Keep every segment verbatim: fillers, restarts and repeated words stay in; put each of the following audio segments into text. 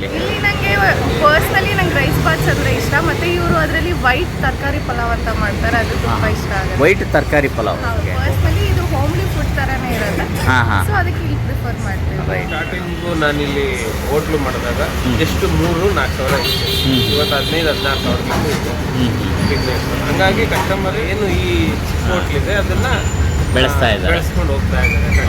ಇಲ್ಲಿ? ಇಲ್ಲಿ ನನಗೆ ಪರ್ಸ್ನಲಿ ನಂಗೆ ರೈಸ್ ಬಾತ್ಸ್ ಅಂದರೆ ಇಷ್ಟ, ಮತ್ತು ಇವರು ಅದರಲ್ಲಿ ವೈಟ್ ತರಕಾರಿ ಪಲಾವ್ ಅಂತ ಮಾಡ್ತಾರೆ, ಅದು ತುಂಬ ಇಷ್ಟ ಆಗುತ್ತೆ. ವೈಟ್ ತರಕಾರಿ ಪಲಾವ್ ಪರ್ಸ್ನಲಿ ಇದು ಹೋಮ್ಲಿ ಫುಡ್ ಥರನೇ ಇರುತ್ತೆ. ಹಾಂ ಹಾಂ ಸೊ ಅದಕ್ಕೆ ಇಲ್ಲಿ ಪ್ರಿಫರ್ ಮಾಡ್ತೀವಿ. ಸ್ಟಾರ್ಟಿಂಗು ನಾನಿಲ್ಲಿ ಹೋಟ್ಲು ಮಾಡಿದಾಗ ಎಷ್ಟು ಮೂರು ನಾಲ್ಕು ಸಾವಿರ ಇತ್ತು, ಇವತ್ತು ಹದಿನೈದು ಹದಿನಾರು ಸಾವಿರ ಇತ್ತು ಬಿಸ್ನೆಸ್. ಹಂಗಾಗಿ ಕಸ್ಟಮರ್ ಏನು ಈ ಹೋಟ್ಲಿದೆ ಅದನ್ನು ಬೆಳೆಸ್ತಾ ಇದ್ದಾರೆ, ಬೆಳೆಸ್ಕೊಂಡು ಹೋಗ್ತಾ ಇದ್ದಾರೆ.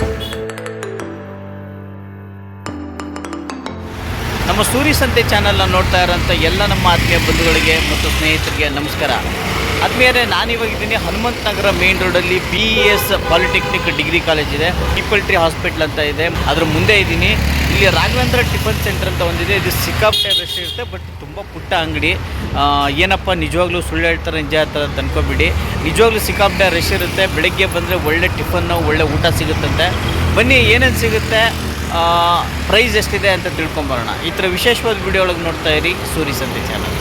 ನಮ್ಮ ಸೂರಿ ಸಂತೆ ಚಾನಲ್ನ ನೋಡ್ತಾ ಇರೋಂಥ ಎಲ್ಲ ನಮ್ಮ ಆತ್ಮೀಯ ಬಂಧುಗಳಿಗೆ ಮತ್ತು ಸ್ನೇಹಿತರಿಗೆ ನಮಸ್ಕಾರ. ಆದ್ಮೇಲೆ ನಾನಿವಾಗಿದ್ದೀನಿ ಹನುಮಂತ ನಗರ ಮೇನ್ ರೋಡಲ್ಲಿ B E S polytechnic degree college ಇದೆ, ಪೀಪಲ್ ಟ್ರೀ ಹಾಸ್ಪಿಟ್ಲ್ ಅಂತ ಇದೆ, ಅದ್ರ ಮುಂದೆ ಇದ್ದೀನಿ. ಇಲ್ಲಿ ರಾಘವೇಂದ್ರ ಟಿಫನ್ ಸೆಂಟರ್ ಅಂತ ಒಂದಿದೆ, ಇದು ಸಿಕ್ಕಾಪಟ್ಟೆ ರಶ್ ಇರುತ್ತೆ, ಬಟ್ ತುಂಬ ಪುಟ್ಟ ಅಂಗಡಿ. ಏನಪ್ಪ ನಿಜವಾಗ್ಲೂ ಸುಳ್ಳು ಹೇಳ್ತಾರೆ ನಿಜ ಹೇಳ್ತಾರೆ ಅಂತ ಅನ್ಕೋಬಿಡಿ, ನಿಜವಾಗ್ಲೂ ಸಿಕ್ಕಾಪಟ್ಟೆ ರಶ್ ಇರುತ್ತೆ. ಬೆಳಗ್ಗೆ ಬಂದರೆ ಒಳ್ಳೆ ಟಿಫನ್ನು ಒಳ್ಳೆ ಊಟ ಸಿಗುತ್ತಂತೆ. ಬನ್ನಿ ಏನೇನು ಸಿಗುತ್ತೆ, ಪ್ರೈಸ್ ಎಷ್ಟಿದೆ ಅಂತ ತಿಳ್ಕೊಂಬರೋಣ. ಈ ಥರ ವಿಶೇಷವಾದ ವಿಡಿಯೋ ಒಳಗೆ ನೋಡ್ತಾ ಇರಿ ಸೂರಿ ಸಂತೆ ಚಾನಲ್.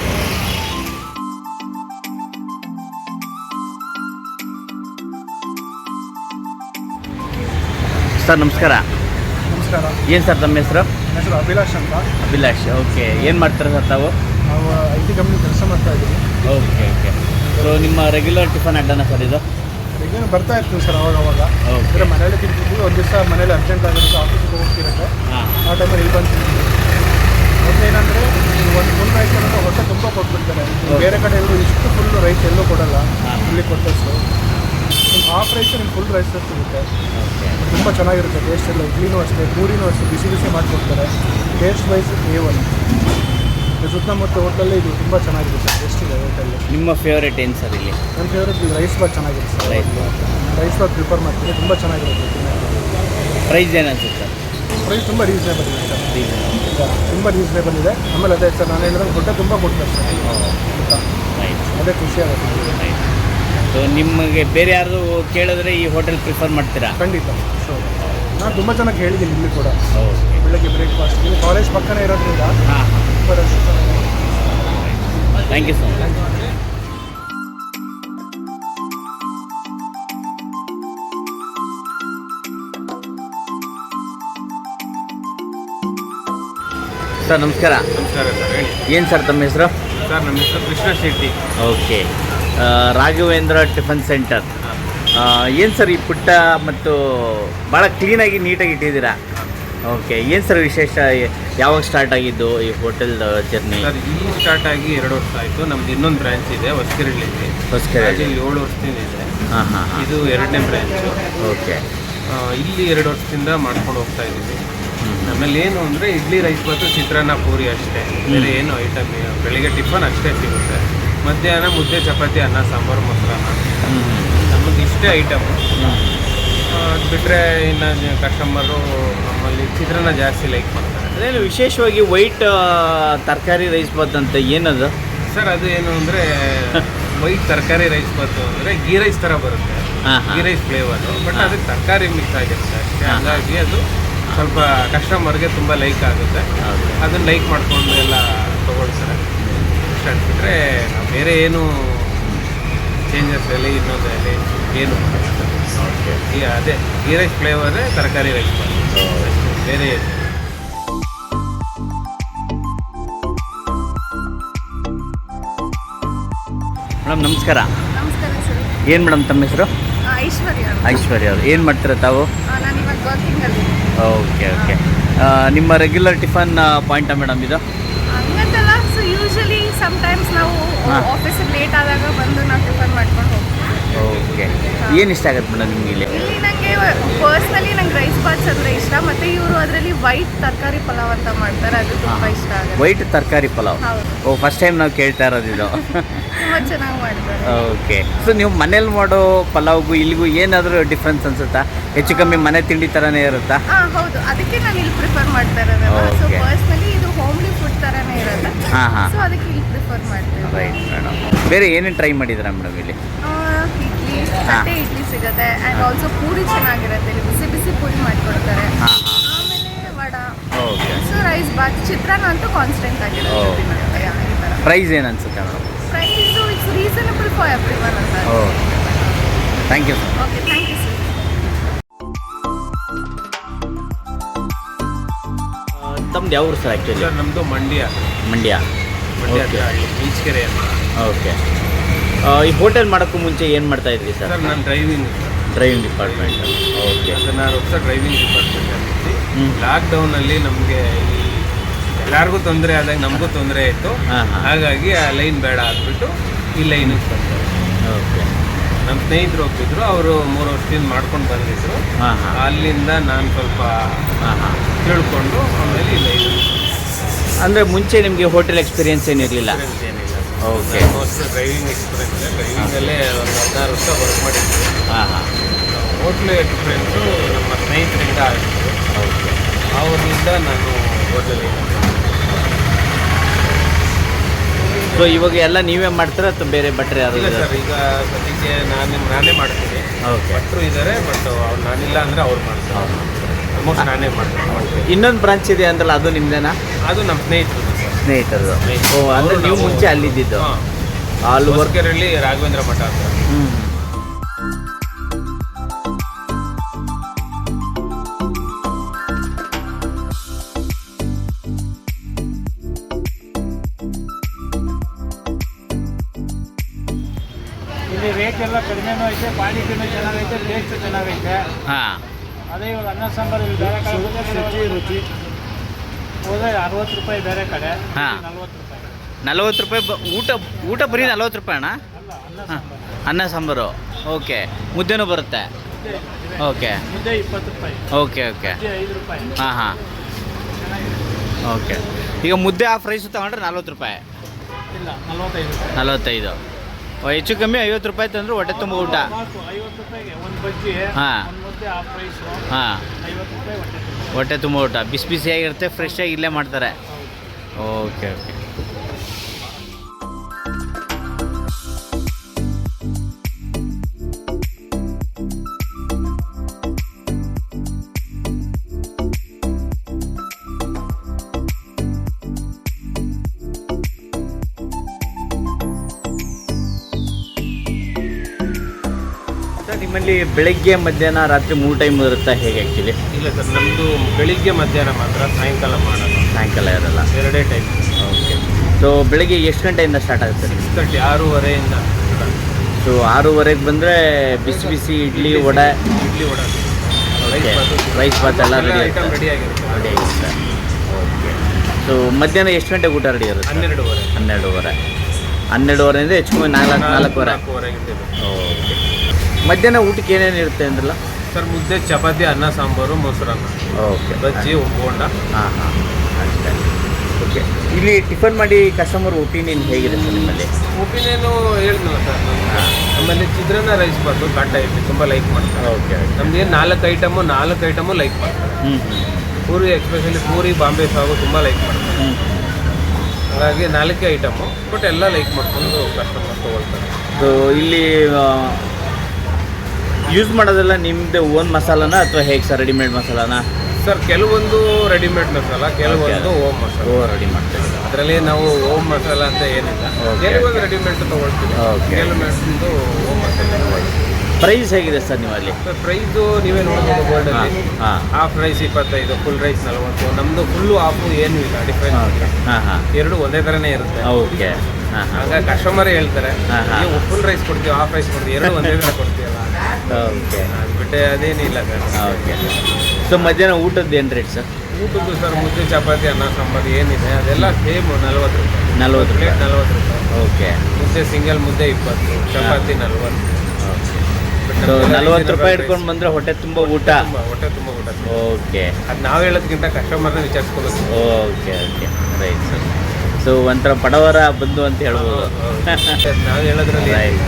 ಸರ್ ನಮಸ್ಕಾರ. ನಮಸ್ಕಾರ. ಏನು ಸರ್ ತಮ್ಮ ಹೆಸರು? ನನ್ನ ಹೆಸರು ಅಭಿಲಾಷ್ ಅಂತ. ಅಭಿಲಾಷ್, ಓಕೆ. ಏನು ಮಾಡ್ತಾರೆ ಸರ್ ತಾವು? ನಾವು ಐ ಟಿ ಕಂಪ್ನಿ ಕೆಲಸ ಮಾಡ್ತಾ ಇದ್ದೀವಿ. Okay okay. ಸೊ ನಿಮ್ಮ ರೆಗ್ಯುಲರ್ ಟಿಫನ್ ಅಡ್ಡನ ಸರ್ ಇದು? ರೆಗ್ಯುಲರ್ ಬರ್ತಾ ಇರ್ತೀವಿ ಸರ್ ಅವಾಗ ಅವಾಗ. ಓಕೆ. ಅಂದರೆ ಮನೇಲಿ ತಿಂತಿದ್ವಿ, ಒಂದು ದಿವಸ ಮನೇಲಿ ಅರ್ಜೆಂಟ್ ಆಗಿರುತ್ತೆ, ಆಫೀಸಿಗೆ ಹೋಗ್ತಿರುತ್ತೆ, ಹಾಂ. ಆ ಟೈಮಲ್ಲಿ ಇಲ್ಲಿ ಬಂದು ತಿಂತೀವಿ. ಮೊದಲೇನಂದರೆ ಒಂದು ಫುಲ್ ರೈಸ್ ಅನ್ನೋದು ಹೊಟ್ಟೆ ತುಂಬ ಕೊಟ್ಬಿಡ್ತಾರೆ. ಬೇರೆ ಕಡೆ ಎಲ್ಲರೂ ಇಷ್ಟು ಫುಲ್ ರೈಸ್ ಎಲ್ಲೂ ಕೊಡೋಲ್ಲ, ಇಲ್ಲಿ ಕೊಟ್ಟಷ್ಟು. ನಿಮ್ಮ ಹಾಫ್ ರೈಸ್ ನಿಮ್ಮ ಫುಲ್ ರೈಸ್ ಸಿಗುತ್ತೆ. ತುಂಬ ಚೆನ್ನಾಗಿರುತ್ತೆ ಟೇಸ್ಟ್ ಎಲ್ಲ. ಇಡ್ಲಿನೂ ಅಷ್ಟೇ, ಪೂರಿನೂ ಅಷ್ಟೇ ಬಿಸಿ ಬಿಸಿ ಮಾಡಿಕೊಡ್ತಾರೆ. Taste wise A one. ಸುತ್ತಮುತ್ತ ಹೋಟೆಲ್ಲೇ ಇದು ತುಂಬ ಚೆನ್ನಾಗಿರುತ್ತೆ, ಟೇಸ್ಟ್ ಇದೆ ಹೋಟೆಲ್ಲಿ. ನಿಮ್ಮ ಫೇವ್ರೇಟ್ ಏನು ಸರ್ ಇಲ್ಲಿ? ನನ್ನ ಫೇವ್ರೇಟ್ ರೈಸ್ ಬಾತ್ ಚೆನ್ನಾಗಿರುತ್ತೆ sir. Rice bath rice bath prefer ಮಾಡ್ತೀನಿ, ತುಂಬ ಚೆನ್ನಾಗಿರುತ್ತೆ. ಪ್ರೈಸ್ ಏನು ಅನ್ಸುತ್ತೆ ಸರ್? ಪ್ರೈಸ್ ತುಂಬ ರೀಸನೇಬಲ್ ಇದೆ ಸರ್, ರೀಸನ್ ತುಂಬ ರೀಸನೇಬಲ್ ಇದೆ. ಆಮೇಲೆ ಅದೇ ಸರ್ ನಾನು ಹೇಳಿದ್ರೆ ಹೊಟ್ಟೆ ತುಂಬ ಕೊಡ್ತಾರೆ ಸರ್ ಊಟ, ರೈಟ್ ಅದೇ ಖುಷಿ ಆಗುತ್ತೆ. ರೈಟ್. ಸೊ ನಿಮಗೆ ಬೇರೆ ಯಾರು ಕೇಳಿದ್ರೆ ಈ ಹೋಟೆಲ್ ಪ್ರಿಫರ್ ಮಾಡ್ತೀರಾ? ಖಂಡಿತ ಸೊ ನಾನು ತುಂಬ ಚೆನ್ನಾಗಿ ಹೇಳಿದ್ದೀನಿ ಇಲ್ಲಿ ಕೂಡ. ಓಕೆ. ಬೆಳಗ್ಗೆ ಬ್ರೇಕ್ಫಾಸ್ಟ್ ಇಲ್ಲಿ ಕಾಲೇಜ್ ಪಕ್ಕನೇ ಇರೋದ್ರಿಂದ ಹಾಂ ತುಂಬ ರಶ್ ಚೆನ್ನಾಗಿದೆ. Thank you so much. Sir ನಮಸ್ಕಾರ. ನಮಸ್ಕಾರ ಸರ್, ಹೇಳಿ. ಏನು ಸರ್ ತಮ್ಮ ಹೆಸರು? ಸರ್ ನಮ್ಮ ಹೆಸರು Krishna Shetty. Okay. Raghavendra tiffin centre. ಏನು ಸರ್ ಈ ಪುಟ್ಟ ಮತ್ತು ಭಾಳ ಕ್ಲೀನಾಗಿ ನೀಟಾಗಿ ಇಟ್ಟಿದ್ದೀರಾ? ಓಕೆ. ಏನು ಸರ್ ವಿಶೇಷ, ಯಾವಾಗ ಸ್ಟಾರ್ಟ್ ಆಗಿದ್ದು ಈ ಹೋಟೆಲ್ ಜರ್ನಿ? ಸರ್ ಇಲ್ಲಿ ಸ್ಟಾರ್ಟ್ ಆಗಿ ಎರಡು ವರ್ಷ ಆಯಿತು. ನಮ್ದು ಇನ್ನೊಂದು ಬ್ರ್ಯಾಂಚ್ ಇದೆ ಹೊಸಕೆರೆಯಲ್ಲಿ, ಹೊಸಕೆರೆ ಏಳು ವರ್ಷದಿಂದ ಇದೆ. ಹಾಂ ಹಾಂ ಹಾಂ. ಇದು ಎರಡನೇ ಬ್ರ್ಯಾಂಚು. ಓಕೆ. ಇಲ್ಲಿ ಎರಡು ವರ್ಷದಿಂದ ಮಾಡ್ಕೊಂಡು ಹೋಗ್ತಾ ಇದ್ದೀವಿ. ಆಮೇಲೆ ಏನು ಅಂದರೆ ಇಡ್ಲಿ ರೈಸ್ ಬಾತು ಚಿತ್ರಾನ್ನ ಪೂರಿ ಅಷ್ಟೇ, ಬೇರೆ ಏನು ಐಟಮ್. ಬೆಳಿಗ್ಗೆ ಟಿಫನ್ ಅಷ್ಟೇ ಸಿಗುತ್ತೆ, ಮಧ್ಯಾಹ್ನ ಮುದ್ದೆ ಚಪಾತಿ ಅನ್ನ ಸಾಂಬಾರು ಮೊಸರನ್ನ, ನಮಗೆ ಇಷ್ಟೇ ಐಟಮು. ಅದು ಬಿಟ್ಟರೆ ಇನ್ನು ಕಸ್ಟಮರು ನಮ್ಮಲ್ಲಿ ಚಿತ್ರಾನ್ನ ಜಾಸ್ತಿ ಲೈಕ್ ಮಾಡ್ತಾರೆ. ಅದೇನು ವಿಶೇಷವಾಗಿ ವೈಟ್ ತರಕಾರಿ ರೈಸ್ ಬಾತ್ ಅಂತ ಏನದು ಸರ್? ಅದು ಏನು ಅಂದರೆ ವೈಟ್ ತರಕಾರಿ ರೈಸ್ ಬಾತು ಅಂದರೆ ಗೀ ರೈಸ್ ಥರ ಬರುತ್ತೆ, ಗೀ ರೈಸ್ ಫ್ಲೇವರು, ಬಟ್ ಅದಕ್ಕೆ ತರಕಾರಿ ಮಿಕ್ಸ್ ಆಗಿರುತ್ತೆ ಅಷ್ಟೇ. ಹಾಗಾಗಿ ಅದು ಸ್ವಲ್ಪ ಕಸ್ಟಮರ್ಗೆ ತುಂಬ ಲೈಕ್ ಆಗುತ್ತೆ, ಅದನ್ನು ಲೈಕ್ ಮಾಡಿಕೊಂಡು ಎಲ್ಲ ತೊಗೊಳ್ತಾರೆ. ಇಷ್ಟ ಅನ್ಬಿಟ್ರೆ ನಾವು ಬೇರೆ ಏನು ಚೇಂಜಸ್ ಅಲ್ಲಿ ಇನ್ನೊಂದು ಅಲ್ಲಿ ಏನು ಈ ಅದೇ ಗೀ ರೈಸ್ ಫ್ಲೇವರೇ ತರಕಾರಿ ರೈಸ್ ಬೇರೆ ಏನು. ಮೇಡಮ್ ನಮಸ್ಕಾರ. ನಮಸ್ಕಾರ ಸರ್. ಏನು ಮೇಡಮ್ ತಮ್ಮ ಹೆಸರು? ಐಶ್ವರ್ಯ. ಐಶ್ವರ್ಯ ಅವರು ಏನು ಮಾಡ್ತೀರಾ ತಾವು? ನಾನು ಇವಾಗ ವರ್ಕಿಂಗಲ್ಲಿ. Okay okay. ನಿಮ್ಮ ರೆಗ್ಯುಲರ್ ಟಿಫನ್ ಪಾಯಿಂಟಾ ಮೇಡಮ್ ಇದು? ಹಂಗಂತಲ್ಲ, ಸೊ ಯೂಶಲಿ ಸಮ್ಟೈಮ್ಸ್ ನಾವು ಆಫೀಸಿಗೆ ಲೇಟ್ ಆದಾಗ ಬಂದು ನಾವು ಟಿಫನ್ ಮಾಡ್ಕೊಂಡು ಹೋಗ್ತೀವಿ. ಓಕೆ. ಏನು ಇಷ್ಟ ಆಗುತ್ತೆ ಮೇಡಮ್ ನಿಮ್ಗೆ ಇಲ್ಲಿ? ಇಲ್ಲಿ ನನಗೆ ಪರ್ಸ್ನಲಿ ನಂಗೆ ರೈಸ್ ಬಾತ್ಸ್ ಅಂದರೆ ಇಷ್ಟ, ಮತ್ತು ಇವರು ಅದರಲ್ಲಿ ವೈಟ್ ತರಕಾರಿ ಪಲಾವ್ ಅಂತ ಮಾಡ್ತಾರೆ, ಅದು ತುಂಬ ಇಷ್ಟ ಆಗುತ್ತೆ. ವೈಟ್ ತರಕಾರಿ ಪಲಾವ್? ಹೌದು. ಓ, ಫಸ್ಟ್ ಟೈಮ್ ನಾವು ಕೇಳ್ತಾ ಇರೋದು ಇದು. ತುಂಬ ಚೆನ್ನಾಗಿ ಮಾಡ್ತಾರೆ. ಓಕೆ. ಸೊ ನೀವು ಮನೇಲಿ ಮಾಡೋ ಪಲಾವ್ಗೂ ಇಲ್ಲಿಗೂ ಏನಾದರೂ ಡಿಫ್ರೆನ್ಸ್ ಅನ್ಸುತ್ತಾ? ಹೆಚ್ಚು ಕಮ್ಮಿ ಮನೆ ತಿಂಡಿ ಥರನೇ ಇರುತ್ತಾ? ಹಾಂ ಹೌದು, ಅದಕ್ಕೆ ನಾನು ಇಲ್ಲಿ ಪ್ರಿಫರ್ ಮಾಡ್ತಾ ಇರೋದಲ್ಲ. ಸೊ ಪರ್ಸ್ನಲಿ ಇದು ಹೋಮ್ಲಿ ಫುಡ್ ಥರನೇ ಇರುತ್ತೆ. ಹಾಂ ಹಾಂ. ಸೊ ಅದಕ್ಕೆ ಇಲ್ಲಿ ಪ್ರಿಫರ್ ಮಾಡ್ತೀವಿ. Right madam. ಬೇರೆ ಏನೇನು ಟ್ರೈ ಮಾಡಿದ್ದೀರಾ ಮೇಡಮ್ ಇಲ್ಲಿ? ಇಡ್ಲಿ, ತಟ್ಟೆ ಇಡ್ಲಿ ಸಿಗುತ್ತೆ, ಆ್ಯಂಡ್ ಆಲ್ಸೋ ಪೂರಿ ಚೆನ್ನಾಗಿರುತ್ತೆ, ಇಲ್ಲಿ ಬಿಸಿ ಬಿಸಿ ಪೂರಿ ಮಾಡಿಕೊಡ್ತಾರೆ. ಹಾಂ ಹಾಂ. ಆಮೇಲೆ vada. Okay. So rice bath, chitranna ಅಂತೂ ಕಾನ್ಸ್ಟೆಂಟ್ ಆಗಿರುತ್ತೆ. ಈ ಥರ. ಪ್ರೈಸ್ ಏನು ಅನ್ಸುತ್ತೆ madam? Price it's reasonable for everyone ಅಂತ. Okay. Thank you sir. Okay, thank you sir. ತಮ್ದು ಯಾವ ಊರು ಸರ್ ಆ್ಯಕ್ಚುಲಿ? ಸರ್ ನಮ್ಮದು ಮಂಡ್ಯ ಮಂಡ್ಯ. ಮಂಡ್ಯ ಓಕೆ ಈಚ್ಕೆರೆ ಅಂತ. ಓಕೆ. ಈ ಹೋಟೆಲ್ ಮಾಡೋಕ್ಕೂ ಮುಂಚೆ ಏನು ಮಾಡ್ತಾ ಇದ್ರಿ ಸರ್? ಸರ್ ನಾನು ಡ್ರೈವಿಂಗ್ ಡ್ರೈವಿಂಗ್ ಡಿಪಾರ್ಟ್ಮೆಂಟ್. ಓಕೆ. ಹದಿನಾರು ವರ್ಷ ಡ್ರೈವಿಂಗ್ ಡಿಪಾರ್ಟ್ಮೆಂಟ್ ಅಲ್ಲಿ. ಹ್ಞೂ. ಲಾಕ್ಡೌನಲ್ಲಿ ನಮಗೆ ಈ ಎಲ್ಲರಿಗೂ ತೊಂದರೆ ಆದಾಗ ನಮಗೂ ತೊಂದರೆ ಆಯಿತು. ಹಾಂ ಹಾಂ. ಹಾಗಾಗಿ ಆ ಲೈನ್ ಬೇಡ ಆಗ್ಬಿಟ್ಟು ಈ ಲೈನಿಗೆ ಬಂದೆ. ಓಕೆ. ನಮ್ಮ ಸ್ನೇಹಿತರು ಹೋಗ್ತಿದ್ರು, ಅವರು ಮೂರು ವರ್ಷದಿಂದ ಮಾಡ್ಕೊಂಡು ಬಂದಿದ್ರು. ಹಾಂ ಹಾಂ. ಅಲ್ಲಿಂದ ನಾನು ಸ್ವಲ್ಪ ಹಾಂ ಹಾಂ. ತಿಳ್ಕೊಂಡು ಆಮೇಲೆ ಈ ಲೈನ್ ಅಂದರೆ ಮುಂಚೆ ನಿಮಗೆ ಹೋಟೆಲ್ ಎಕ್ಸ್ಪೀರಿಯನ್ಸ್ ಏನಿರಲಿಲ್ಲ? ಏನಿಲ್ಲ. ಓಕೆ. ಮೋಸ್ಟ್ ಡ್ರೈವಿಂಗ್ ಎಕ್ಸ್ಪೀರಿಯನ್ಸ್ ಡ್ರೈವಿಂಗಲ್ಲೇ ಒಂದು ಹದಿನಾರು ವರ್ಷ ವರ್ಕ್ ಮಾಡಿದ್ವಿ. ಹಾಂ ಹಾಂ. ಹೋಟ್ಲು ಎಕ್ಸ್ಪೀರಿಯನ್ಸು ನಮ್ಮ ಸ್ನೇಹಿತರಿಂದ ಆಗಿತ್ತು. ಓಕೆ. ಅವರಿಂದ ನಾನು ಹೋಟೆಲ್. ಸೊ ಇವಾಗ ಎಲ್ಲ ನೀವೇ ಮಾಡ್ತೀರಾ ಅಥವಾ ಬೇರೆ ಭಟ್ರು ಯಾರು ಇಲ್ಲ ಇದ್ದಾರೆ? ಸರ್, ಈಗ ಸದ್ಯಕ್ಕೆ ನಾನು ನಾನೇ ಮಾಡ್ತೀನಿ. ಓಕೆ. ಭಟ್ರು ಇದ್ದಾರೆ, ಬಟ್ ಅವ್ರು ನಾನಿಲ್ಲ ಅಂದರೆ ಅವ್ರು ಮಾಡ್ತಾರೆ. ಆಲ್ಮೋಸ್ಟ್ ನಾನೇ ಮಾಡ್ತೀನಿ. ಇನ್ನೊಂದು ಬ್ರಾಂಚ್ ಇದೆ ಅಂದ್ರಲ್ಲ, ಅದು ನಿಮ್ದೇನಾ? ಅದು ನಮ್ಮ ಸ್ನೇಹಿತರು ಸರ್. ಸ್ನೇಹಿತರದು. ಸ್ನೇಹಿತರು. ಓ, ಅಂದರೆ ಅವ್ರು ನೀವು ನಾವು- ಮುಂಚೆ ಅಲ್ಲಿದ್ದಿದ್ದು? ಹಾಂ. ಅಲ್ಲಿ ವರ್ಕ್. ಹೊಸಕೆರೆಹಳ್ಳಿ ರಾಘವೇಂದ್ರ ಮಠ ಅಂತ. ಹ್ಞೂ. ಇಲ್ಲಿ ರೇಟ್ ಎಲ್ಲ ಕಡಿಮೆನೂ ಐತೆ, ಕ್ವಾಲಿಟಿನೂ ಚೆನ್ನಾಗೈತೆ, ಟೇಸ್ಟ್ ಚೆನ್ನಾಗೈತೆ. ಹಾಂ. ಅದೇ ಇವಾಗ ಅನ್ನ ಸಾಂಬಾರು ಇಲ್ಲಿ ಬೇರೆ ಕಡೆ ರುಚಿ ರುಚಿ ಹೋದ್ರೆ ಅರವತ್ತು ರೂಪಾಯಿ ಬೇರೆ ಕಡೆ, ಹಾ. ನಲ್ವತ್ತು ರೂಪಾಯಿ. ನಲ್ವತ್ತು ರೂಪಾಯಿ ಬ- ಊಟ ಊಟ ಬರೀ ನಲ್ವತ್ತು ರೂಪಾಯಿ ಅಣ್ಣ? ಅಲ್ಲ, ಅನ್ನ ಹಾಂ. ಸಾಂಬಾರು. ಅನ್ನ ಸಾಂಬಾರು. ಓಕೆ. ಮುದ್ದೆನೂ ಬರುತ್ತೆ? ಮುದ್ದೆ ಇದೆ. ಓಕೆ. ಮುದ್ದೆ ಇಪ್ಪತ್ತು ರೂಪಾಯಿ, ಓಕೆ ಓಕೆ. ಮುದ್ದೆ ಐದು ರೂಪಾಯಿ. ಹಾಂ ಹಾಂ. ಚೆನ್ನಾಗಿದೆ. ಓಕೆ. ಈಗ ಮುದ್ದೆ ಹಾಫ್ ರೈಸು ತಗೊಂಡ್ರೆ ನಲ್ವತ್ತು ರೂಪಾಯಿ? ಇಲ್ಲ, ನಲ್ವತ್ತೈದು ರೂಪಾಯಿ. ನಲ್ವತ್ತೈದು. ಓ, ಹೆಚ್ಚು ಕಮ್ಮಿ ಐವತ್ತು ರೂಪಾಯಿ ತಂದ್ರೆ ಹೊಟ್ಟೆ ತುಂಬ ಊಟ? ನಾಲ್ಕು, ಐವತ್ತು ರೂಪಾಯಿಗೆ ಒಂದು ಬಜ್ಜಿ, ಹಾ. ಒಂದು ಮುದ್ದೆ ಹಾಫ್ ರೈಸು, ಹಾಂ. ಐವತ್ತು ರೂಪಾಯಿ ಹೊಟ್ಟೆ ತುಂಬ. ಹೊಟ್ಟೆ ತುಂಬ ಊಟ ಬಿಸಿ ಬಿಸಿಯಾಗಿರುತ್ತೆ, ಫ್ರೆಶ್ ಆಗಿ ಇಲ್ಲೇ ಮಾಡ್ತಾರೆ. Okay okay. ಸರ್, ನಿಮ್ಮಲ್ಲಿ ಬೆಳಗ್ಗೆ ಮಧ್ಯಾಹ್ನ ರಾತ್ರಿ ಮೂರು ಟೈಮ್ ಇರುತ್ತಾ ಹೇಗೆ ಆ್ಯಕ್ಚುಲಿ? ಇಲ್ಲ ಸರ್, ನಮ್ಮದು ಬೆಳಿಗ್ಗೆ ಮಧ್ಯಾಹ್ನ ಮಾತ್ರ, ಸಾಯಂಕಾಲ ಮಾಡೋದು. ಸಾಯಂಕಾಲ ಇರಲ್ಲ? ಎರಡೇ ಟೈಮ್. ಓಕೆ. ಸೊ ಬೆಳಿಗ್ಗೆ ಎಷ್ಟು ಗಂಟೆಯಿಂದ ಸ್ಟಾರ್ಟ್ ಆಗುತ್ತೆ ನಿಮಗೆ? ಸಿಕ್ಸ್ ತರ್ಟಿ ಆರೂವರೆಯಿಂದ. ಸೊ ಆರೂವರೆಗೆ ಬಂದರೆ ಬಿಸಿ ಬಿಸಿ ಇಡ್ಲಿ ವಡೆ, ಇಡ್ಲಿ ವಡೆ, ಓಕೆ, ರೈಸ್ ಬಾತ್ ಎಲ್ಲ ರೆಡಿ ಐಟಮ್ ಆಗುತ್ತೆ? ರೆಡಿ ಆಗಿರುತ್ತೆ. ರೆಡಿ ಆಗಿರುತ್ತೆ. ಓಕೆ. ಸೊ ಮಧ್ಯಾಹ್ನ ಎಷ್ಟು ಗಂಟೆಗೆ ಊಟ ರೆಡಿ ಇರುತ್ತೆ? ಹನ್ನೆರಡುವರೆ. ಹನ್ನೆರಡುವರೆ. ಹನ್ನೆರಡುವರೆಯಿಂದ ಹೆಚ್ಚು ಕಮ್ಮಿ ನಾಲ್ಕು ನಾಲ್ಕೂವರೆ. ನಾಲ್ಕೂವರೆಗೆ ಇಟ್ಟಿದ್ದು. ಓಕೆ. ಮಧ್ಯಾಹ್ನ ಊಟಕ್ಕೆ ಏನೇನು ಇರುತ್ತೆ ಅಂದ್ರಲ್ಲ? ಸರ್, ಮುದ್ದೆ, ಚಪಾತಿ, ಅನ್ನ ಸಾಂಬಾರು, ಮೊಸರನ್ನ, ಓಕೆ. ಬಜ್ಜಿ, ಬೋಂಡ. ಹಾಂ ಹಾಂ ಅಷ್ಟೇ. ಓಕೆ. ಇಲ್ಲಿ ಟಿಫನ್ ಮಾಡಿ ಕಸ್ಟಮರ್ ಒಪಿನಿಯನ್ ಹೇಗಿದೆ ಸರ್ ನಿಮ್ಮಲ್ಲಿ? ಒಪಿನಿಯನು ಹೇಳಿದ್ನಲ್ಲ ಸರ್ ನಾನು. ಹಾಂ. ನಮ್ಮಲ್ಲಿ ಚಿತ್ರಾನ್ನ ರೈಸ್ ಬಾತು ಕಾಟ ಇಡ್ಲಿ ತುಂಬ ಲೈಕ್ ಮಾಡ್ತಾರೆ. ಓಕೆ. ನಮ್ದು ಏನು ನಾಲ್ಕು ಐಟಮು ನಾಲ್ಕು ಐಟಮು ಲೈಕ್ ಮಾಡ್ತಾರೆ. ಹ್ಞೂ ಪೂರಿ, ಎಕ್ಸ್ಪೆಷಲಿ ಪೂರಿ, ಬಾಂಬೆ ಸಾಗು ತುಂಬ ಲೈಕ್ ಮಾಡ್ತಾರೆ. ಹ್ಞೂ. ಹಾಗಾಗಿ ನಾಲ್ಕೇ ಐಟಮು, ಬಟ್ ಎಲ್ಲ ಲೈಕ್ ಮಾಡ್ಕೊಂಡು ಕಸ್ಟಮರ್ ತೊಗೊಳ್ತಾರೆ. ಸೊ ಇಲ್ಲಿ ಯೂಸ್ ಮಾಡೋದೆಲ್ಲ ನಿಮ್ಮದು ಓನ್ ಮಸಾಲಾನ ಅಥವಾ ಹೇಗೆ ಸರ್? ರೆಡಿಮೇಡ್ ಮಸಾಲಾನ? ಸರ್, ಕೆಲವೊಂದು ರೆಡಿಮೇಡ್ ಮಸಾಲ, ಕೆಲವೊಂದು ಓಮ್ ಮಸಾಲ. ಓ, ರೆಡಿ ಮಾಡ್ತೀವಿ. ಅದರಲ್ಲಿ ನಾವು ಓಮ್ ಮಸಾಲ ಅಂತ ಏನಿಲ್ಲ, Okay. ಕೆಲವೊಂದು ರೆಡಿಮೇಡ್ ತೊಗೊಳ್ತೀವಿ. Okay. ಕೆಲವೊಂದು ಓಮ್ ಮಸಾಲ ತೊಗೊಳ್ತೀವಿ. ಪ್ರೈಸ್ ಹೇಗಿದೆ ಸರ್ ನಿಮ್ಮಲ್ಲಿ? ಸರ್, ಪ್ರೈಸು ನೀವೇ ನೋಡ್ಬೋದು. ಗೋಲ್ಡಲ್ಲಿ ಹಾಂ. ಹಾಫ್ ರೈಸ್ ಇಪ್ಪತ್ತೈದು, ಫುಲ್ ರೈಸ್ ನಲವತ್ತು. ನಮ್ಮದು ಫುಲ್ಲು ಹಾಫು ಏನೂ ಇಲ್ಲ, ಡಿಫ್ರೆನ್ಸ್ ಇಲ್ಲ. ಹಾಂ ಹಾಂ. ಎರಡು ಒಂದೇ ಥರನೇ ಇರುತ್ತೆ. ಓಕೆ. ಹಾಂ ಹಾಂ. ಹಾಗಾಗಿ ಕಸ್ಟಮರೇ ಹೇಳ್ತಾರೆ, ಹಾ, ಹಾ. ನೀವು ಫುಲ್ ರೈಸ್ ಕೊಡ್ತೀವಿ, ಹಾಫ್ ರೈಸ್ ಕೊಡ್ತೀವಿ, ಎರಡು ಒಂದೇ ಥರ ಕೊಡ್ತೀವಲ್ಲ. ಓಕೆ. ಅದು ಬಿಟ್ಟೆ ಅದೇನಿಲ್ಲ ಸರ್. ಓಕೆ. ಸೊ ಮಧ್ಯಾಹ್ನ ಊಟದ್ದು ಏನು ರೇಟ್ ಸರ್? ಊಟದ್ದು ಸರ್, ಮುದ್ದೆ, ಚಪಾತಿ, ಅನ್ನ ಸಾಂಬಾರು ಏನಿದೆ ಅದೆಲ್ಲ ಸೇಮ್ ನಲ್ವತ್ತು ರೂಪಾಯಿ. ನಲ್ವತ್ತು ಪ್ಲೇಟ್ ರೂಪಾಯಿ. ನಲ್ವತ್ತು ರೂಪಾಯಿ. ಓಕೆ. ಮುದ್ದೆ ಸಿಂಗಲ್ ಮುದ್ದೆ ಇಪ್ಪತ್ತು, ಚಪಾತಿ ನಲ್ವತ್ತು. ಸೊ ನಲ್ವತ್ತು ರೂಪಾಯಿ ಇಟ್ಕೊಂಡು ಬಂದರೆ ಹೊಟ್ಟೆ ತುಂಬ ಊಟ? ತುಂಬ ಹೊಟ್ಟೆ ತುಂಬ ಊಟ. ಓಕೆ. ಅದು ನಾವು ಹೇಳೋದಕ್ಕಿಂತ ಕಸ್ಟಮರ್ನ ವಿಚಾರಿಸ್ಕೋಬೇಕು. Okay okay right sir. So ಒಂಥರ ಬಡವರ ಬಂಧು ಅಂತ ಹೇಳ್ಬೋದು. ನಾವು ಹೇಳೋದ್ರಲ್ಲಿ ರೈಟ್.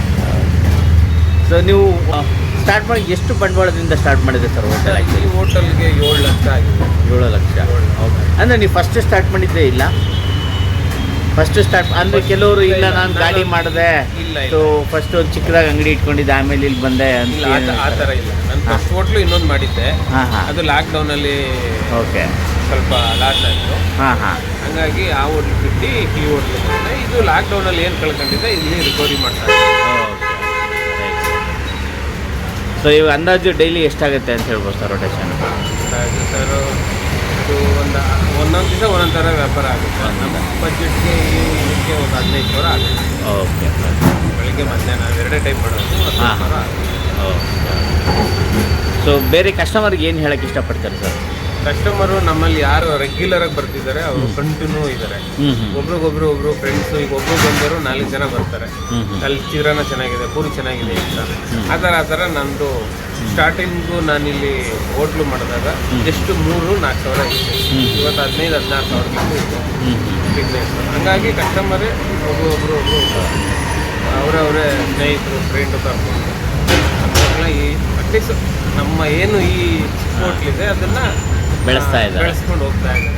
ಸೊ ನೀವು ಸ್ಟಾರ್ಟ್ ಮಾಡಿ ಎಷ್ಟು ಬಂಡವಾಳದಿಂದ ಸ್ಟಾರ್ಟ್ ಮಾಡಿದೆ ಸರ್ ಹೋಟೆಲ್? ಈ ಆ್ಯಕ್ಚುಲಿ ಹೋಟೆಲ್ಗೆ ಏಳು ಲಕ್ಷ ಆಗಿದೆ. ಏಳು ಲಕ್ಷ. ಓಕೆ. ಅಂದರೆ ನೀವು ಫಸ್ಟ್ ಸ್ಟಾರ್ಟ್ ಮಾಡಿದ್ದೇ ಇಲ್ಲ? ಫಸ್ಟ್ ಸ್ಟಾರ್ಟ್ ಅಂದರೆ ಕೆಲವರು ಇಲ್ಲ ನಾನು ಗಾಡಿ ಮಾಡಿದೆ, ಇಲ್ಲ, ಇಲ್ಲ. ಸೊ ಫಸ್ಟ್ ಒಂದು ಚಿಕ್ಕದಾಗಿ ಅಂಗಡಿ ಇಟ್ಕೊಂಡಿದ್ದೆ, ಆಮೇಲೆ ಇಲ್ಲಿ ಬಂದೆ ಅಂತ ಇಲ್ಲ, ಆ ತ- ಆ ಥರ ಇಲ್ಲ. ನಾನು ಫಸ್ಟ್ ಹೋಟ್ಲು ಇನ್ನೊಂದು ಮಾಡಿದ್ದೆ, ಹಾಂ ಹಾಂ. ಅದು ಲಾಕ್ಡೌನಲ್ಲಿ ಓಕೆ. ಸ್ವಲ್ಪ ಲಾಸ್ ಆಯಿತು. ಹಾಂ ಹಾಂ. ಹಾಗಾಗಿ ಆ ಹೋಟ್ಲು ಬಿಟ್ಟು ಈ ಹೋಟ್ಲು ಬಂದೆ. ಇದು ಲಾಕ್ಡೌನಲ್ಲಿ ಏನು ಕಳ್ಕೊಂಡಿದ್ದೆ ಇಲ್ಲಿ ರಿಕವರಿ ಮಾಡ್ತಾರೆ. Okay right. ಸೊ ಇವಾಗ ಅಂದಾಜು ಡೈಲಿ ಎಷ್ಟಾಗುತ್ತೆ ಅಂತ ಹೇಳ್ಬೋದು ಸರ್ ರೊಟೇಷನ್? ಹಾಗಾಗಿ ಸರ್ ಇದು ಒಂದು ಒಂದೊಂದು ದಿವಸ ಒಂದೊಂದು ಥರ ವ್ಯಾಪಾರ ಆಗುತ್ತೆ. ನಮ್ಮ ಬಜೆಟ್ಗೆ ಇದಕ್ಕೆ ಒಂದು ಹದಿನೈದು ಸಾವಿರ ಆಗುತ್ತೆ. ಓಕೆ ಬೆಳಿಗ್ಗೆ ಮಧ್ಯಾಹ್ನ ಎರಡೇ ಟೈಮ್ ಮಾಡೋದು ಹದಿನೈದು ಹಾಂ. ಸಾವಿರ ಆಗುತ್ತೆ. ಓಕೆ. ಸೊ ಬೇರೆ ಕಸ್ಟಮರ್ಗೆ ಏನು ಹೇಳಕ್ಕೆ ಇಷ್ಟಪಡ್ತಾರೆ ಸರ್? ಕಸ್ಟಮರು ನಮ್ಮಲ್ಲಿ ಯಾರು ರೆಗ್ಯುಲರ್ ಆಗಿ ಬರ್ತಿದ್ದಾರೆ ಅವರು ಕಂಟಿನ್ಯೂ ಇದ್ದಾರೆ. ಹ್ಞೂ ಹ್ಞೂ ಒಬ್ರಿಗೊಬ್ರು ಒಬ್ರು ಫ್ರೆಂಡ್ಸ್ ಈಗ ಒಬ್ರು ಬಂದರು ನಾಲ್ಕು ಜನ ಬರ್ತಾರೆ. ಹ್ಞೂ ಹ್ಞೂ ಅಲ್ಲಿ ಚಿತ್ರಾನ್ನ ಚೆನ್ನಾಗಿದೆ, ಪೂರಿ ಚೆನ್ನಾಗಿದೆ ಅಂತ ಆ ಥರ ಆ ಥರ ನಂದು ಸ್ಟಾರ್ಟಿಂಗು ನಾನಿಲ್ಲಿ ಹೋಟ್ಲು ಮಾಡಿದಾಗ ಜಸ್ಟ್ ಮೂರು ನಾಲ್ಕು ಸಾವಿರ ಇತ್ತು. ಇವತ್ತು ಹದಿನೈದು ಹದಿನಾರು ಸಾವಿರಕ್ಕೆ ಇತ್ತು ಹ್ಞೂ ಹ್ಞೂ ಬಿಸ್ನೆಸ್. ಹಂಗಾಗಿ ಕಸ್ಟಮರೇ ಒಬ್ರು ಒಬ್ರು ಒಬ್ರು ಅವರವರೇ ಸ್ನೇಹಿತರು ಫ್ರೆಂಡು ಕರ್ಕೊಂಡು ಅವಾಗಲ ಈ ಅಟ್ಲೀಸ್ಟ್ ನಮ್ಮ ಏನು ಈ ಹೋಟ್ಲಿದೆ ಅದನ್ನು ಬೆಳೆಸ್ತಾ ಇದ್ದಾರೆ. ಬೆಳೆಸ್ಕೊಂಡು ಹೋಗ್ತಾ ಇದ್ದಾರೆ.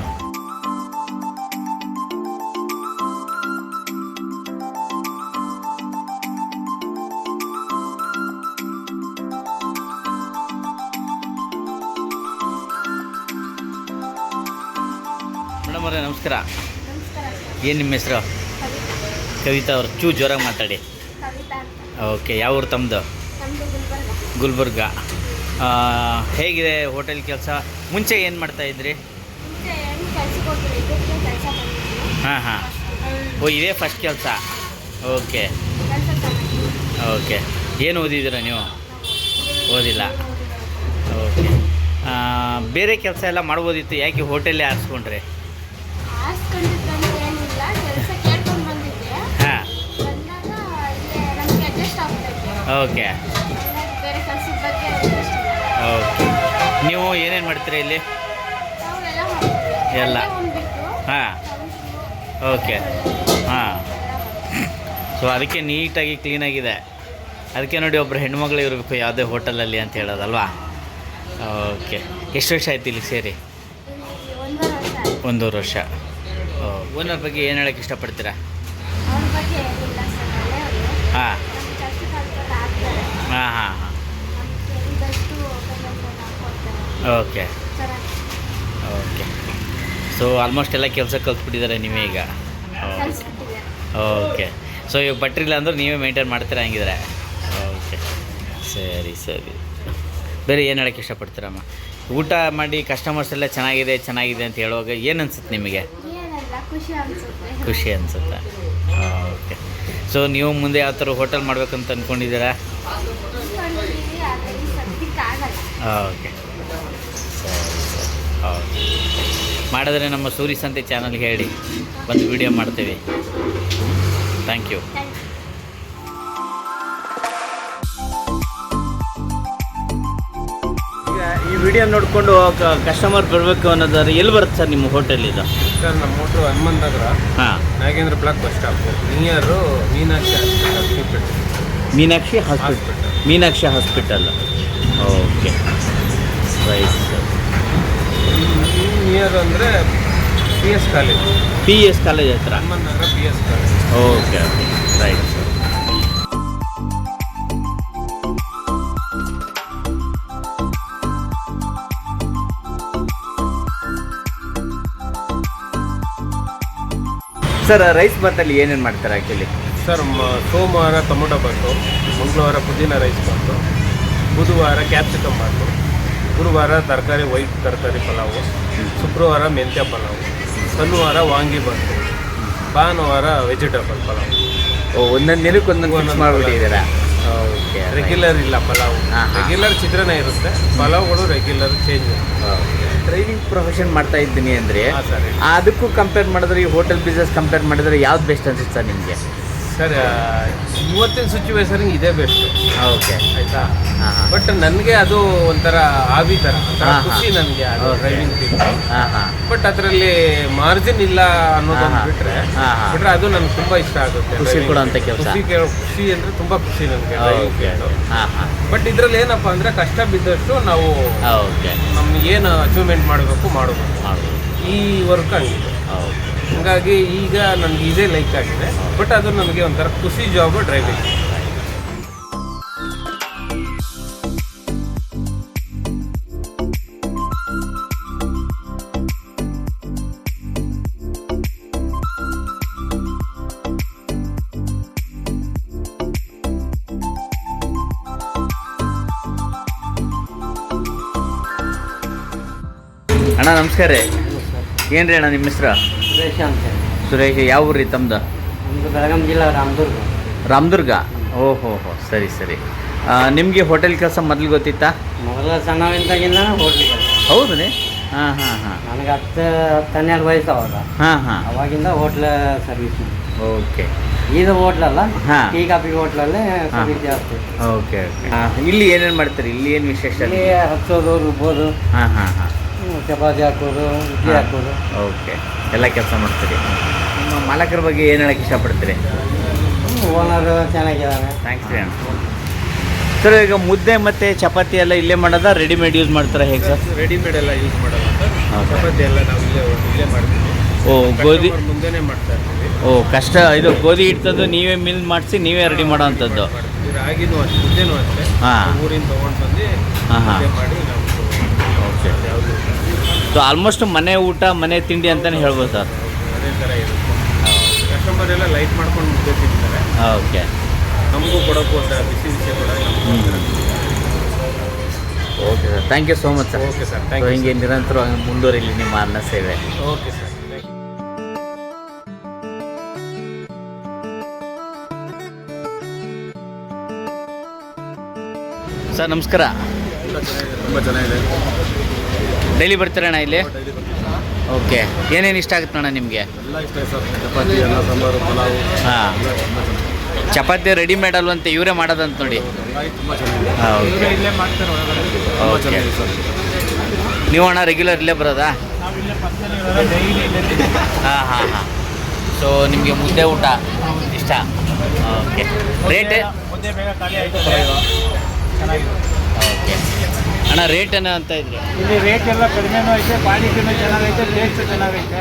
ಮೇಡಮ್ ಅವರೇ ನಮಸ್ಕಾರ. ಏನು ನಿಮ್ಮ ಹೆಸರು? ಕವಿತಾ ಅವರು. ಚೂ ಜೋರಾಗಿ ಮಾತಾಡಿ. ಓಕೆ. ಯಾವ ಊರು ತಮ್ಮದು? ಗುಲ್ಬರ್ಗ. ಆ, ಹೇಗಿದೆ ಹೋಟೆಲ್ ಕೆಲಸ? ಮುಂಚೆ ಏನು ಮಾಡ್ತಾಯಿದ್ರಿ? ಹಾಂ ಹಾಂ. ಓ ಇದೇ ಫಸ್ಟ್ ಕೆಲಸ. Okay okay. ಏನು ಓದಿದ್ದೀರಾ ನೀವು? ಓದಿಲ್ಲ. ಓಕೆ. ಬೇರೆ ಕೆಲಸ ಎಲ್ಲ ಮಾಡ್ಬೋದಿತ್ತು, ಯಾಕೆ ಹೋಟೆಲ್ಲೇ ಆರಿಸ್ಕೊಂಡ್ರೆ? ಹಾಂ. Okay okay. ನೀವು ಏನೇನು ಮಾಡ್ತೀರಾ ಇಲ್ಲಿ? ಎಲ್ಲ. ಹಾಂ. ಓಕೆ. ಹಾಂ. ಸೊ ಅದಕ್ಕೆ ನೀಟಾಗಿ ಕ್ಲೀನಾಗಿದೆ. ಅದಕ್ಕೆ ನೋಡಿ ಒಬ್ಬರು ಹೆಣ್ಮಗಳು ಇರಬೇಕು ಯಾವುದೇ ಹೋಟೆಲಲ್ಲಿ ಅಂತ ಹೇಳೋದಲ್ವಾ? ಓಕೆ. ಎಷ್ಟು ವರ್ಷ ಆಯ್ತು ಇಲ್ಲಿಗೆ ಸೇರಿ? ಒಂದೂವರೆ ವರ್ಷ. ಓನರ್ ಬಗ್ಗೆ ಏನು ಹೇಳೋಕ್ಕೆ ಇಷ್ಟಪಡ್ತೀರಾ? ಹಾಂ ಹಾಂ ಹಾಂ ಹಾಂ. Okay okay. ಸೊ ಆಲ್ಮೋಸ್ಟ್ ಎಲ್ಲ ಕೆಲಸ ಕಲ್ತ್ಬಿಟ್ಟಿದ್ದಾರೆ ನೀವೇ ಈಗ? ಓಕೆ. ಸೊ ಇವಾಗ ಬಟ್ರಿಲ್ಲ ಅಂದ್ರೆ ನೀವೇ ಮೇಂಟೈನ್ ಮಾಡ್ತೀರಾ ಹಂಗಿದ್ರೆ? ಓಕೆ ಸರಿ ಸರಿ. ಬೇರೆ ಏನು ಹೇಳೋಕ್ಕೆ ಇಷ್ಟಪಡ್ತೀರಮ್ಮ? ಊಟ ಮಾಡಿ ಕಸ್ಟಮರ್ಸ್ ಎಲ್ಲ ಚೆನ್ನಾಗಿದೆ ಚೆನ್ನಾಗಿದೆ ಅಂತ ಹೇಳುವಾಗ ಏನು ಅನ್ಸುತ್ತೆ ನಿಮಗೆ? ಖುಷಿ ಅನಿಸುತ್ತೆ. ಓಕೆ. ಸೊ ನೀವು ಮುಂದೆ ಯಾವ ಥರ ಹೋಟೆಲ್ ಮಾಡ್ಬೇಕಂತ ಅಂದ್ಕೊಂಡಿದ್ದೀರಾ? ಓಕೆ ಸರಿ ಸರಿ. ಓಕೆ. ಮಾಡಿದ್ರೆ ನಮ್ಮ ಸೂರಿ ಸಂತೆ ಚಾನಲ್ಗೆ ಹೇಳಿ, ಬಂದು ವಿಡಿಯೋ ಮಾಡ್ತೀವಿ. Thank you. ಈಗ ಈ ವಿಡಿಯೋ ನೋಡಿಕೊಂಡು ಕಸ್ಟಮರ್ ಬರಬೇಕು ಅನ್ನೋದಾದ್ರೆ ಎಲ್ಲಿ ಬರುತ್ತೆ ಸರ್ ನಿಮ್ಮ ಹೋಟೆಲ್ ಇದು? ಸರ್ ನಮ್ಮ ಹೋಟ್ಲು ಹನುಮಂತ ನಗರ, ಹಾಂ, Nagendra block bus stop near Meenakshi hospital. Meenakshi hospital. Meenakshi hospital. Okay right sir. Near ಅಂದರೆ P S college. P S college ಹತ್ರ? Hanumantha Nagar P S college. Okay okay right sir. Sir rice ಬಾತಲ್ಲಿ ಏನೇನು ಮಾಡ್ತಾರೆ ಆ್ಯಕ್ಚುಲಿ? ಸರ್ ಮ- ಸೋಮವಾರ ಟೊಮೊಟೊ ಬಾತು, ಮಂಗಳವಾರ ಪುದೀನ ರೈಸ್ ಬಾತು, ಬುಧವಾರ ಕ್ಯಾಪ್ಸಿಕಮ್ ಬಾತು, ಗುರುವಾರ ತರಕಾರಿ ವೈಟ್ ತರಕಾರಿ ಪಲಾವು, ಶುಕ್ರವಾರ ಮೆಂತ್ಯ ಪಲಾವು, ಶನಿವಾರ ವಾಂಗಿ ಬಾತು, ಭಾನುವಾರ ವೆಜಿಟೇಬಲ್ ಪಲಾವು. ಓ ಒಂದೊಂದು ದಿನಕ್ಕೆ ಒಂದೊಂದು ಫಿಕ್ಸ್ ಮಾಡಿಬಿಟ್ಟಿದ್ದೀರಾ? ಓಕೆ. ರೆಗ್ಯುಲರ್ ಇಲ್ಲ ಪಲಾವು. ಹಾ, ಹಾ. ರೆಗ್ಯುಲರ್ ಚಿತ್ರಾನ್ನ ಇರುತ್ತೆ, ಪಲಾವ್ಗಳು ರೆಗ್ಯುಲರ್ ಚೇಂಜ್. ಟ್ರೈನಿಂಗ್ ಪ್ರೊಫೆಷನ್ ಮಾಡ್ತಾ ಇದ್ದೀನಿ ಅಂದರೆ ಹಾಂ ಸರ್. ಅದಕ್ಕೂ ಕಂಪೇರ್ ಮಾಡಿದ್ರೆ ಈ ಹೋಟೆಲ್ ಬಿಸ್ನೆಸ್ ಕಂಪೇರ್ ಮಾಡಿದ್ರೆ ಯಾವ್ದು ಬೆಸ್ಟ್ ಅನ್ಸುತ್ತೆ ಸರ್ ನಿಮಗೆ? ಸರ್ ಇವತ್ತಿನ ಸಿಚುವೇಶನ್ಗೆ ಇದೇ ಬೆಸ್ಟ್. ಓಕೆ ಆಯಿತಾ? ಹಾಂ ಹಾಂ ಬಟ್ ನನಗೆ ಅದು ಒಂಥರ ಆವಿ ಥರ ಒಂಥರ ಹಾ, ಹಾ. ಖುಷಿ ನನಗೆ ಅದು Okay. Driving field. ಹಾಂ ಹಾಂ ಬಟ್ ಅದರಲ್ಲಿ ಮಾರ್ಜಿನ್ ಇಲ್ಲ ಅನ್ನೋದೊಂದು ಹಾ, ಹಾ. ಬಿಟ್ರೆ ಹಾ, ಹಾ. ಬಿಟ್ರೆ ಅದು ನನಗೆ ತುಂಬಾ ಇಷ್ಟ ಆಗುತ್ತೆ. ಖುಷಿ driving ಕೊಡುವಂಥ field. ಕೆಲ್ಸ. ಖುಷಿ ಕೆ- ಖುಷಿ ಅಂದ್ರೆ ತುಂಬಾ ಖುಷಿ ನನಗೆ ಡ್ರೈವಿಂಗ್ ಓಕೆ ಫೀಲ್ಡ್. ಹಾಂ ಹಾಂ ಬಟ್ ಇದ್ರಲ್ಲಿ ಏನಪ್ಪಾ ಅಂದ್ರೆ ಕಷ್ಟ ಬಿದ್ದಷ್ಟು ನಾವು ಓಕೆ ನಮ್ಗೆ ಏನು ಅಚೀವ್ಮೆಂಟ್ ಮಾಡಬೇಕು ಮಾಡಬೇಕು. ಮಾಡ್ಬೋದು. ಈ ವರ್ಕ್ ಹಂಗಿದೆ. ಓಕೆ ಹಂಗಾಗಿ ಈಗ ನನಗೆ ಇದೇ ಲೈಕ್ ಆಗಿದೆ. ಬಟ್ ಅದು ನನಗೆ ಒಂಥರ ಖುಷಿ ಜಾಬ್ ಡ್ರೈವಿಂಗ್. ಅಣ್ಣ ನಮಸ್ಕಾರ ರೀ. ಏನು ರೀ ಅಣ್ಣ ನಿಮ್ಮ ಹೆಸ್ರು? ಸುರೇಶ ಅಂತ ಸುರೇಶ್. ಯಾವ ಊರು ರೀ ತಮ್ಮದು? ನಮ್ಮದು ಬೆಳಗಾಂ ಜಿಲ್ಲಾ ರಾಮದುರ್ಗ. ರಾಮದುರ್ಗ. ಓಹೋ ಹೋ ಸರಿ ಸರಿ. ನಿಮಗೆ ಹೋಟೆಲ್ ಕೆಲಸ ಮೊದಲು ಗೊತ್ತಿತ್ತಾ? ಮೊದಲ ಸಣ್ಣವಿದ್ದಾಗಿಂದ ಹೋಟ್ಲಿಗೆ. ಹೌದು ರೀ? ಹಾಂ ಹಾಂ ಹಾಂ ನನಗೆ ಹತ್ತು ಹತ್ತು ಹನ್ನೆರಡು ವಯಸ್ಸು ಅವಾಗ. ಹಾಂ ಹಾಂ ಅವಾಗಿಂದ ಹೋಟ್ಲ ಸರ್ವಿಸ್. ಓಕೆ. ಇದು ಹೋಟ್ಲಲ್ಲ, ಹಾ. ಟೀ ಕಾಫಿ ಹೋಟ್ಲಲ್ಲೇ ಸರ್ವಿಸ್ ಜಾಸ್ತಿ. Okay okay. ಇಲ್ಲಿ ಏನೇನು ಮಾಡ್ತೀರಿ? ಇಲ್ಲಿ ಏನು ವಿಶೇಷ? ಇಲ್ಲಿ ಹಚ್ಚೋದು, ರುಬ್ಬೋದು, ಹಾಂ ಹಾಂ ಹಾಂ ಚಪಾತಿ ಹಾಕೋದು, ಇಡ್ಲಿ ಹಾಕೋದು. ಓಕೆ, ಎಲ್ಲ ಕೆಲಸ ಮಾಡ್ತೀರಿ. ನಿಮ್ಮ ಮಾಲಕರ ಬಗ್ಗೆ ಏನು ಹೇಳಕ್ಕೆ ಇಷ್ಟಪಡ್ತೀರಿ? ಓನರ್ ಚೆನ್ನಾಗಿದ್ದಾನೆ. ಥ್ಯಾಂಕ್ಸ್ ರೀ ಅಣ್ಣ. ಸರ್, ಈಗ ಮುದ್ದೆ ಮತ್ತು ಚಪಾತಿ ಎಲ್ಲ ಇಲ್ಲೇ ಮಾಡೋದಾ ರೆಡಿಮೇಡ್ ಯೂಸ್ ಮಾಡ್ತಾರೆ ಹೇಗೆ ಸರ್? ರೆಡಿಮೇಡ್ ಎಲ್ಲ ಯೂಸ್ ಮಾಡಲ್ಲ ಸರ್. ಹೌದಾ? ಚಪಾತಿ ಎಲ್ಲ ನಾವು ಇಲ್ಲೇ ಇಲ್ಲೇ ಮಾಡ್ತೀವಿ. ಓ ಗೋಧಿ. Customer ಮುಂದೆನೇ ಮಾಡ್ತಾ ಇರ್ತೀವಿ. ಓ ಕಷ್ಟ. ಇದು ಗೋಧಿ ಹಿಡ್ತದ್ದು ನೀವೇ ಮಿಲ್ ಮಾಡಿಸಿ ನೀವೇ ರೆಡಿ ಮಾಡೋ ಅಂಥದ್ದು? ಮಾಡ್ತೀವಿ. ರಾಗಿನೂ ಅಷ್ಟೇ, ಮುದ್ದೆನೂ ಅಷ್ಟೇ. ಹಾಂ. ಊರಿಂದ ತೊಗೊಂಡು ಬಂದು ಹಾಂ ಹಾಂ ಮುದ್ದೆ ಮಾಡಿ ನಾವು ಓಕೆ. ಯಾವುದು ಸೊ ಆಲ್ಮೋಸ್ಟ್ ಮನೆ ಊಟ ಮನೆ ತಿಂಡಿ ಅಂತಲೇ ಹೇಳ್ಬೋದು ಸರ್. ಅದೇ ಥರ ಇರುತ್ತೆ. ಕಸ್ಟಮರ್ ಎಲ್ಲ ಲೈಟ್ ಮಾಡ್ಕೊಂಡು ಮುದ್ದೆ ತಿಂತಾರೆ. ಓಕೆ. ನಮಗೂ ಕೊಡೋಕ್ಕೂ ಒಂದು ಬಿಸಿ ಬಿಸಿ ಕೊಡೋದು. Okay sir, thank you so much sir. Okay sir, so thank you. ಹಿಂಗೆ ನಿರಂತರವಾಗಿ ಮುಂದುವರಿಲಿ ನಿಮ್ಮ ಅನ್ನ ಸೇವೆ. Okay sir. ಸರ್ ನಮಸ್ಕಾರ. ತುಂಬ ಚೆನ್ನಾಗಿದೆ. ಡೈಲಿ ಬರ್ತೀರಣ್ಣ ಇಲ್ಲಿ? ಓಕೆ. ಏನೇನು ಇಷ್ಟ ಆಗುತ್ತೆ ಅಣ್ಣ ನಿಮಗೆ? ಎಲ್ಲ ಇಷ್ಟ ಇದೆ ಸರ್. ಚಪಾತಿ, ಅನ್ನ ಸಾಂಬಾರು, ಪಲಾವು ಹಾಂ. ಚಪಾತಿ ರೆಡಿಮೇಡ್ ಅಲ್ವಂತೆ, ಇವರೇ ಮಾಡೋದಂತ ನೋಡಿ. ತುಂಬ ಚೆನ್ನಾಗಿದೆ. ಹಾಂ ಓಕೆ. ಇಲ್ಲೇ ಮಾಡ್ತಾರೆ ಒಳಗಡೆ. ತುಂಬ ಓಕೆ. ಚೆನ್ನಾಗಿದೆ ಸರ್. ನೀವು ಅಣ್ಣ ರೆಗ್ಯುಲರ್ ಇಲ್ಲೇ ಬರೋದಾ? ನಾವು ಇಲ್ಲೇ ಪಕ್ಕದಲ್ಲಿ ಡೈಲಿ ಇಲ್ಲೇ. ಹಾಂ ಹಾಂ ಹಾಂ. ಸೊ ನಿಮಗೆ ಮುದ್ದೆ ಊಟ ಇಷ್ಟ? ಓಕೆ. ರೇಟ್? ಮುದ್ದೆ ಬೇಗ ಖಾಲಿ ಆಯಿತು. ಚೆನ್ನಾಗಿದೆ. ಓಕೆ ಅಣ್ಣ, ರೇಟ್ ಏನೋ ಅಂತ ಇದ್ರಿ? ಇಲ್ಲಿ ರೇಟ್ ಎಲ್ಲ ಕಡಿಮೆನೂ ಐತೆ, ಕ್ವಾಲಿಟಿನೂ ಚೆನ್ನಾಗೈತೆ, ಟೇಸ್ಟ್ ಚೆನ್ನಾಗೈತೆ.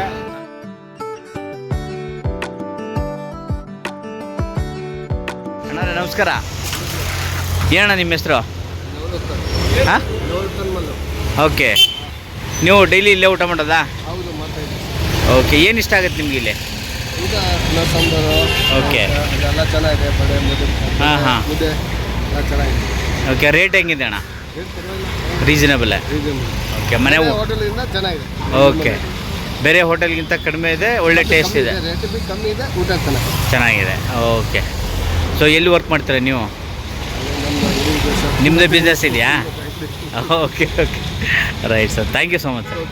ಅಣ್ಣ ನಮಸ್ಕಾರ. ಏನಣ್ಣ ನಿಮ್ಮ ಹೆಸರು? ಹಾಂ ಓಕೆ. ನೀವು ಡೈಲಿ ಇಲ್ಲೇ ಊಟ ಮಾಡೋದಾ? ಹೌದು, ಮಾತಾಡಿ. ಓಕೆ. ಏನು ಇಷ್ಟ ಆಗುತ್ತೆ ನಿಮ್ಗೆ ಇಲ್ಲಿ? ಊಟ ಅನ್ನ ಸಾಂಬಾರು ಓಕೆ. ಎಲ್ಲ ಚೆನ್ನಾಗಿದೆ. ಬಡೆ ಮುದ್ದೆ ಹಾಂ ಹಾಂ ಮುದ್ದೆ ಎಲ್ಲ ಚೆನ್ನಾಗಿದೆ. ಓಕೆ. ರೇಟ್ ಹೆಂಗಿದೆ ಅಣ್ಣ? ರೀಸನಬಲ್? ಓಕೆ. ಮನೆ ಊ- ಹೋಟೆಲಿಂದ ಚೆನ್ನಾಗಿದೆ. ಓಕೆ. ಬೇರೆ ಹೋಟೆಲ್ಗಿಂತ ಕಡಿಮೆ ಇದೆ, ಒಳ್ಳೆ ಟೇಸ್ಟ್ ಇದೆ, ರೇಟ್ ಬಿ ಕಮ್ಮಿ ಇದೆ, ಊಟ ಚೆನ್ನಾಗಿದೆ. ಚೆನ್ನಾಗಿದೆ. ಓಕೆ. ಸೊ ಎಲ್ಲಿ ವರ್ಕ್ ಮಾಡ್ತೀರಾ ನೀವು? ನಮ್ಮದು ಇದು ಸರ್. ನಿಮ್ಮದೇ ಬಿಸ್ನೆಸ್ ಇದೆಯಾ? Okay okay right sir. Thank you so much sir.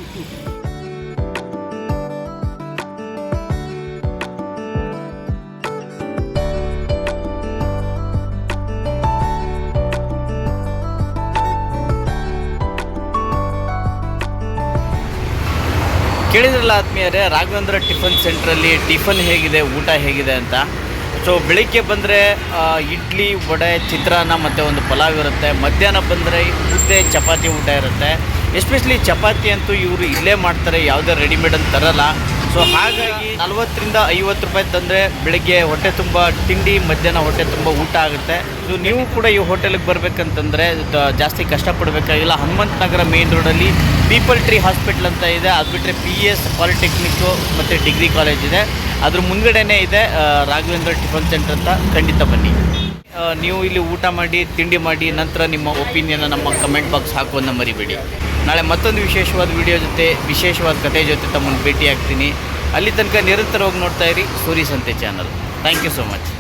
ಕೇಳಿದ್ರಲ್ಲ ಆತ್ಮೀಯರೇ, ರಾಘವೇಂದ್ರ ಟಿಫನ್ ಸೆಂಟ್ರಲ್ಲಿ ಟಿಫನ್ ಹೇಗಿದೆ, ಊಟ ಹೇಗಿದೆ ಅಂತ. ಸೊ ಬೆಳಿಗ್ಗೆ ಬಂದರೆ ಇಡ್ಲಿ, ವಡೆ, ಚಿತ್ರಾನ್ನ ಮತ್ತು ಒಂದು ಪಲಾವ್ ಇರುತ್ತೆ. ಮಧ್ಯಾಹ್ನ ಬಂದರೆ ಮುದ್ದೆ, ಚಪಾತಿ ಊಟ ಇರುತ್ತೆ. ಎಸ್ಪೆಷಲಿ ಚಪಾತಿ ಅಂತೂ ಇವರು ಇಲ್ಲೇ ಮಾಡ್ತಾರೆ, ಯಾವುದೇ ರೆಡಿಮೇಡ್ ಅಂತ ತರಲ್ಲ. ಸೊ ಹಾಗಾಗಿ ನಲ್ವತ್ತರಿಂದ ಐವತ್ತು ರೂಪಾಯಿ ತಂದರೆ ಬೆಳಿಗ್ಗೆ ಹೊಟ್ಟೆ ತುಂಬ ತಿಂಡಿ, ಮಧ್ಯಾಹ್ನ ಹೊಟ್ಟೆ ತುಂಬ ಊಟ ಆಗುತ್ತೆ. ಸೊ ನೀವು ಕೂಡ ಈ ಹೋಟೆಲಿಗೆ ಬರಬೇಕಂತಂದರೆ ಜಾಸ್ತಿ ಕಷ್ಟಪಡಬೇಕಾಗಿಲ್ಲ. ಹನುಮಂತ ನಗರ ಮೇನ್ ರೋಡಲ್ಲಿ ಪೀಪಲ್ ಟ್ರೀ ಹಾಸ್ಪಿಟ್ಲ್ ಅಂತ ಇದೆ. ಅದು ಬಿಟ್ಟರೆ ಪಿ ಎಸ್ ಪಾಲಿಟೆಕ್ನಿಕ್ಕು ಮತ್ತು ಡಿಗ್ರಿ ಕಾಲೇಜ್ ಇದೆ. ಅದ್ರ ಮುಂದ್ಗಡೆನೇ ಇದೆ ರಾಘವೇಂದ್ರ ಟಿಫನ್ ಸೆಂಟರ್ ಅಂತ. ಖಂಡಿತ ಬನ್ನಿ. ನೀವು ಇಲ್ಲಿ ಊಟ ಮಾಡಿ, ತಿಂಡಿ ಮಾಡಿ, ನಂತರ ನಿಮ್ಮ ಒಪಿನಿಯನ್ನ ನಮ್ಮ ಕಮೆಂಟ್ ಬಾಕ್ಸ್ ಹಾಕೋದನ್ನ ಮರಿಬೇಡಿ. ನಾಳೆ ಮತ್ತೊಂದು ವಿಶೇಷವಾದ ವಿಡಿಯೋ ಜೊತೆ, ವಿಶೇಷವಾದ ಕಥೆ ಜೊತೆ ತಮ್ಮನ್ನು ಭೇಟಿ ಆಗ್ತೀನಿ. ಅಲ್ಲಿ ತನಕ ನಿರಂತರವಾಗಿ ನೋಡ್ತಾ ಇರಿ Suri Sante channel. Thank you so much.